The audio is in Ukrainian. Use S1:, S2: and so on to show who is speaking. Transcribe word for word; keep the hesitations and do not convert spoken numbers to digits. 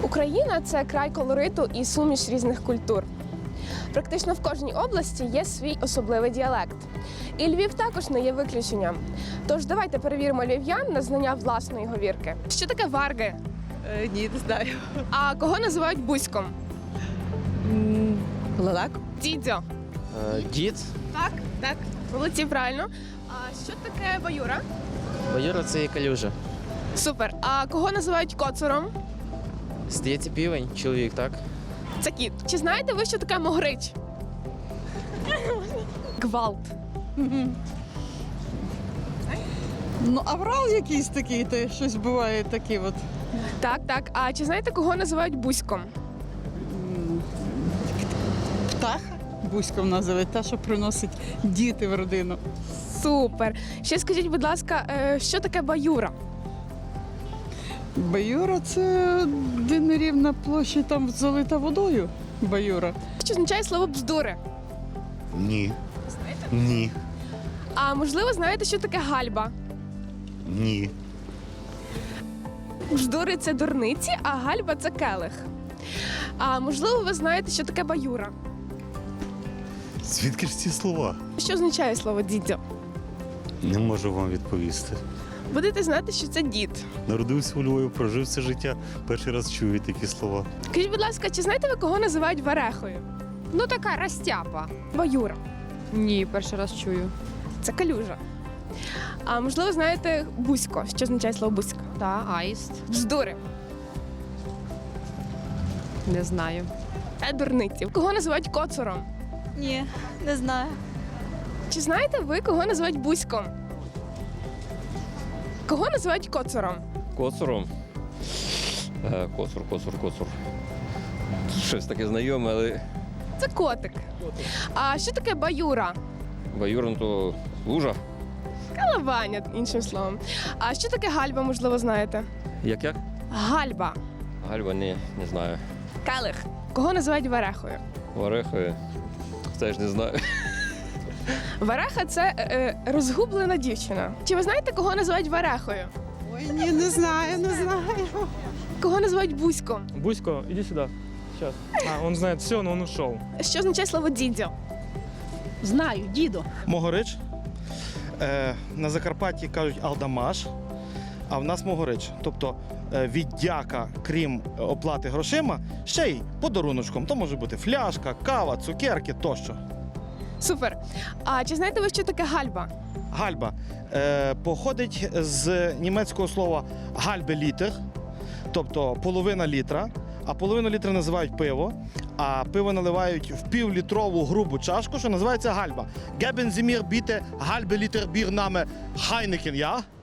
S1: Україна – це край колориту і суміш різних культур. Практично в кожній області є свій особливий діалект. І Львів також не є виключенням. Тож давайте перевіримо львів'ян на знання власної говірки. Що таке варги?
S2: Е, ні, не знаю.
S1: А кого називають бузьком?
S2: Лелек?
S1: Дідьо.
S3: Е, Дід.
S1: Так, так. Молодці, правильно. А що таке баюра?
S3: Баюра це є калюжа.
S1: Супер. А кого називають коцуром?
S3: Здається, півень, чоловік, так?
S1: Це кіт. Чи знаєте ви, що таке могрич? Гвалт.
S2: Ну, аврал якийсь такий, то щось буває таке от.
S1: Так, так. А чи знаєте, кого називають бузьком?
S2: Птаха бузьком називають, та, що приносить діти в родину.
S1: Супер. Ще скажіть, будь ласка, е, що таке баюра?
S2: Баюра це де нерівна площа там залита водою. Баюра.
S1: Що означає слово бздури?
S4: Ні. Ні.
S1: А можливо, знаєте, що таке гальба?
S4: Ні.
S1: Бздури – це дурниці, а гальба – це келих. А можливо, ви знаєте, що таке баюра?
S4: Звідки ж ці слова?
S1: Що означає слово дідьо?
S4: Не можу вам відповісти.
S1: Будете знати, що це дід.
S4: Народився у Львові, прожив все життя. Перший раз чую такі слова.
S1: Скажіть, будь ласка, чи знаєте ви, кого називають варехою?
S5: Ну, така розтяпа.
S1: Баюра.
S5: Ні, перший раз чую.
S1: Це калюжа. А можливо, знаєте бузько, що означає слово бузько?
S5: Та, аїст.
S1: Бздури.
S5: Не знаю.
S1: Це дурниці. Кого називають коцуром?
S6: Ні, не знаю.
S1: Чи знаєте ви, кого називають бузьком? Кого називають коцуром?
S7: Коцуром. Е, Коцур, коцур, коцур. Щось таке знайоме, але
S1: Це котик. А що таке баюра?
S7: баюром то лужа.
S1: Калаваня, іншим словом. А що таке гальба, можливо, знаєте?
S7: Як як?
S1: Гальба.
S7: Гальва, ні, не знаю.
S1: Келих. Кого називають варехою?
S7: Варехою. Теж не знаю.
S1: Вареха – це е, е, розгублена дівчина. Чи ви знаєте, кого називають варехою?
S2: Ой, ні, не знаю, не знаю.
S1: Кого називають бузьком?
S8: Бусько, иди сюда. Сейчас. А, он знает все, но он ушел.
S1: Що означає слово дідьо?
S6: Знаю, діду.
S9: Могорич. Е, на Закарпатті кажуть алдамаш, а в нас могорич. Тобто е, віддяка, крім оплати грошима, ще й подаруночком. То може бути фляжка, кава, цукерки тощо.
S1: Супер. А чи знаєте ви, що таке гальба?
S9: Гальба е, походить з німецького слова гальбе-літер, тобто половина літра, а половину літра називають пиво, а пиво наливають в півлітрову грубу чашку, що називається гальба. Geben Sie mir bitte halbe Liter Bier Name Heineken, ja?